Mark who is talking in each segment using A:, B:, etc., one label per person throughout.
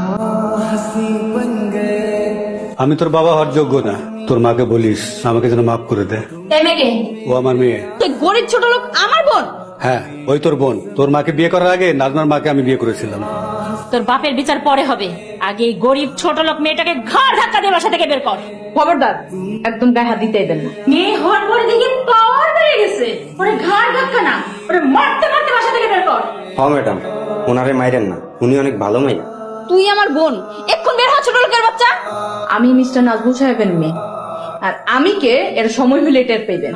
A: আমি তোর বাবা হওয়ার যোগ্য না, তোর মাকে বলিস আমাকে যেন মাফ করে দে। ও আমার মেয়ে।
B: গরিব ছোট লোক আমার বোন?
A: হ্যাঁ, ওই তোর বোন। তোর মাকে বিয়ে করার আগে নাজমার মাকে আমি বিয়ে করেছিলাম।
B: তোর বাপের বিচার পরে হবে, আগে এই গরিব ছোট লোক মেয়েটাকে ঘর ধাক্কা দিয়ে বাসা থেকে বের কর।
C: খবরদার, একদম গায়ে হাত দিতে দেন না।
B: মেয়ে হওয়ার পরে দেখি পাওয়ার বেড়ে গেছে, ওরে ঘর ধাক্কা না, ওরে মারতে মারতে বাসা থেকে বের কর।
D: হ্যাঁ ম্যাডাম, ওনারে মাইরেন না, উনি অনেক ভালো মাইয়া।
B: তুই আমার বোন, এক্ষুন বের হ ছোট লোকের বাচ্চা।
C: আমি মিস্টার নাজমুল সাহেবের মেয়ে, আর আমি কে এর সময় হলে টের পেবেন।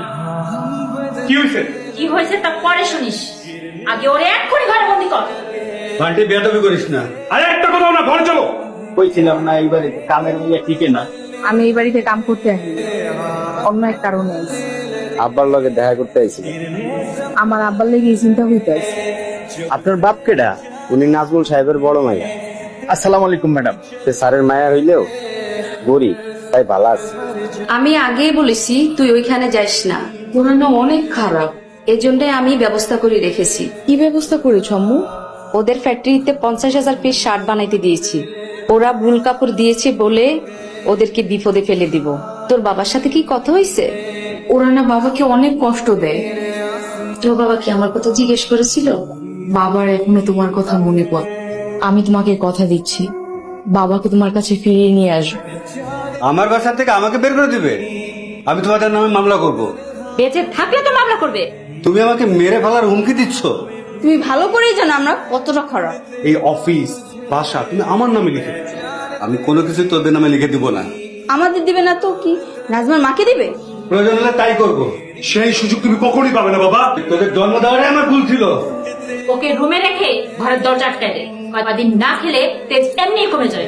B: কি হয়েছে তা পরে শুনিস, আগে ওরে এক্ষুনি ঘরে বন্দি কর।
A: বান্টি বেয়াদবি করিস না।
E: আরে একটা কথা না, ঘরে চলো।
F: কইছিলাম না এইবারে কামের মেয়ে টিকে না।
C: আমি এই বাড়িতে কাম করতে আসি, অন্য এক কারণে আইছি।
D: আব্বার লগে দেখা করতে আইছিল।
C: আমার আব্বার লেগে এই চিন্তা হইতে আছে।
D: আপনার বাপ কেডা? উনি নাজমুল সাহেবের বড় মাইয়া।
F: আসসালামু আলাইকুম ম্যাডাম।
D: স্যারের মায়া হইলেও গরিব, তাই ভালো আছে।
G: আমি আগেই বলেছি তুই ওইখানে যাইস না, পুরানো অনেক খারাপ, এজন্যই আমি ব্যবস্থা করে রেখেছি।
C: কি ব্যবস্থা করেছ আম্মু?
G: ওদের ফ্যাক্টরিতে 50,000 পিস শার্ট বানাইতে দিয়েছি, ওরা ভুল কাপড় দিয়েছে বলে ওদেরকে বিপদে ফেলে দিব। তোর বাবার সাথে কি কথা হয়েছে?
C: ওরা না বাবাকে অনেক কষ্ট দেয়।
G: তোর বাবা কি আমার কথা জিজ্ঞেস করেছিল?
C: বাবার এখনো তোমার কথা মনে পড়ে। আমি তোমাকে কথা দিচ্ছি, বাবাকে তোমার কাছে ফিরিয়ে নিয়ে আসবো।
A: আমার বাসা থেকে আমাকে বের করে দিবে? আমি তোমাদের নামে মামলা করব।
B: বেঁচে থাকলে তো মামলা করবে।
A: তুমি আমাকে মেরে ফেলার হুমকি দিচ্ছ?
G: তুমি ভালো করেই জানো আমরা কতটা খারাপ।
A: এই অফিস বাসা তুমি আমার নামে লিখে দিচ্ছ। আমি কোনো কিছু তোদের নামে লিখে দিব না।
G: আমাদের দিবে না তো কি, নাজমার মাকে দিবে?
A: প্রয়োজন হলে তাই করব।
E: সেই সুযোগ তুমি কখনই পাবে না বাবা।
A: তোদের জন্ম দেওয়াটাই আমার ভুল ছিল।
B: ওকে রুমে রেখে ঘরের দরজা আটকায় দে, কয়েকদিন না খেলে তেজ এমনি কমে যায়।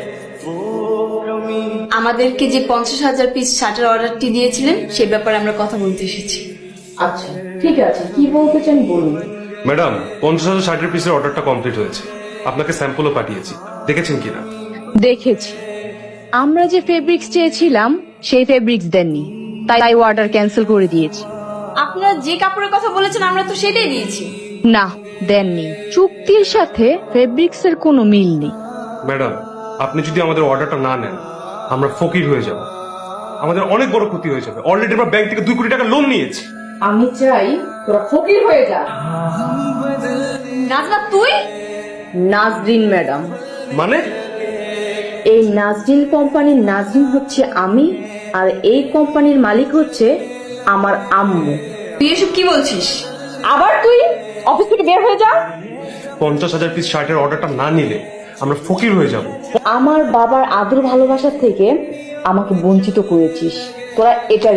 G: আমাদেরকে যে 50,000 পিস শার্টের অর্ডারটি দিয়েছিলেন সে ব্যাপারে আমরা কথা বলতে এসেছি।
C: আচ্ছা ঠিক আছে, কি বলতে চান বলুন।
E: ম্যাডাম, 50,000 পিসের অর্ডারটা কমপ্লিট হয়েছে, আপনাকে স্যাম্পলও পাঠিয়েছি, দেখেছেন কিনা?
C: দেখেছি, আমরা যে ফেব্রিক্স চেয়েছিলাম সেই ফেব্রিক্স দেননি, তাই অর্ডার ক্যান্সেল করে দিয়েছি।
G: আপনারা যে কাপড়ের কথা বলেছেন আমরা তো সেটাই দিয়েছি।
C: না, দেননি। চুক্তির সাথে ফেব্রিক্স এর কোনো মিল নেই।
E: ম্যাডাম, আপনি যদি আমাদের অর্ডারটা না নেন আমরা ফকির হয়ে যাব, আমাদের অনেক বড় ক্ষতি হয়ে যাবে। অলরেডি আমরা ব্যাংক থেকে 2 কোটি টাকা লোন নিয়েছি।
C: আমি চাই তোরা ফকির হয়ে যা।
G: নাজমা তুই?
C: নাজরিন ম্যাডাম,
E: মানে?
C: এই নাজরিন কোম্পানির নাজরিন হচ্ছে আমি, আর এই কোম্পানির মালিক হচ্ছে আমার আম্মু।
G: তুই এসব কি বলছিস?
C: আবার তুই অফিস থেকে বের হয়ে যা।
E: 50,000 পিস শার্টের অর্ডারটা না নিলে আমরা ফকির হয়ে যাব।
C: আমার বাবার আদর ভালোবাসা থেকে আমাকে বঞ্চিত করেছিস, তোরা এটা